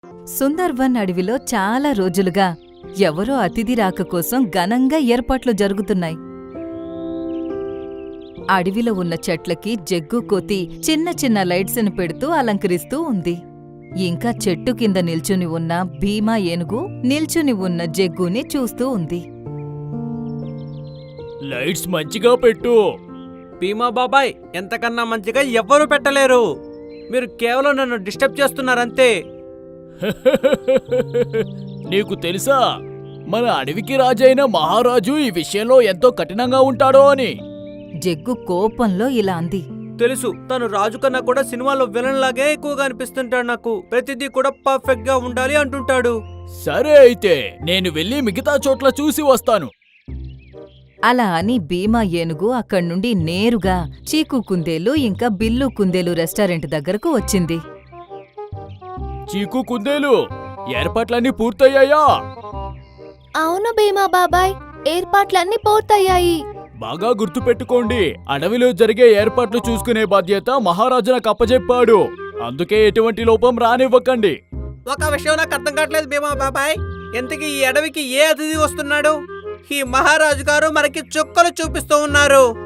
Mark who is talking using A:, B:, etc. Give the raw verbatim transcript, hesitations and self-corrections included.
A: సుందర్వన్ అడవిలో చాలా రోజులుగా ఎవరో అతిథి రాక కోసం ఘనంగా ఏర్పాట్లు జరుగుతున్నాయి. అడవిలో ఉన్న చెట్లకి జగ్గు కోతి చిన్న చిన్న లైట్స్ని పెడుతూ అలంకరిస్తూ ఉంది. ఇంకా చెట్టు కింద నిల్చుని ఉన్న భీమా ఏనుగు నిల్చుని ఉన్న జగ్గుని చూస్తూ ఉంది.
B: లైట్స్ మంచిగా పెట్టు.
C: భీమా బాబాయ్, ఎంతకన్నా మంచిగా ఎవ్వరూ పెట్టలేరు. మీరు కేవలం నన్ను డిస్టర్బ్ చేస్తున్నారంతే.
B: నీకు తెలుసా, మన అడవికి రాజైన మహారాజు ఈ విషయంలో ఎంతో కఠినంగా ఉంటాడో అని.
A: జగ్గు కోపంలో ఇలా అంది.
C: తెలుసు, తను రాజు కన్నా కూడా సినిమాలో విలన్ లాగే ఎక్కువగా అనిపిస్తుంటాడు. నాకు ప్రతిదీ కూడా పర్ఫెక్ట్ గా ఉండాలి అంటుంటాడు.
B: సరే అయితే నేను వెళ్ళి మిగతా చోట్ల చూసి వస్తాను.
A: అలా అని భీమా ఏనుగు అక్కడ్నుండి నేరుగా చీకు కుందేలు ఇంకా బిల్లు కుందేలు రెస్టారెంట్ దగ్గరకు వచ్చింది.
B: చీకు కుందేలు, ఏర్పాట్లన్నీ పూర్తయ్యాయా?
D: అవును భీమా బాబాయ్, ఏర్పాట్లన్నీ పూర్తయ్యాయి.
B: బాగా గుర్తుపెట్టుకోండి, అడవిలో జరిగే ఏర్పాట్లు చూసుకునే బాధ్యత మహారాజు నాకు అప్పజెప్పాడు. అందుకే ఎటువంటి లోపం రానివ్వకండి.
C: ఒక విషయం నాకు అర్థం కావట్లేదు భీమా బాబాయ్, ఎంతకీ ఈ అడవికి ఏ అతిథి వస్తున్నాడు? ఈ మహారాజు గారు మనకి చుక్కలు చూపిస్తూ ఉన్నారు.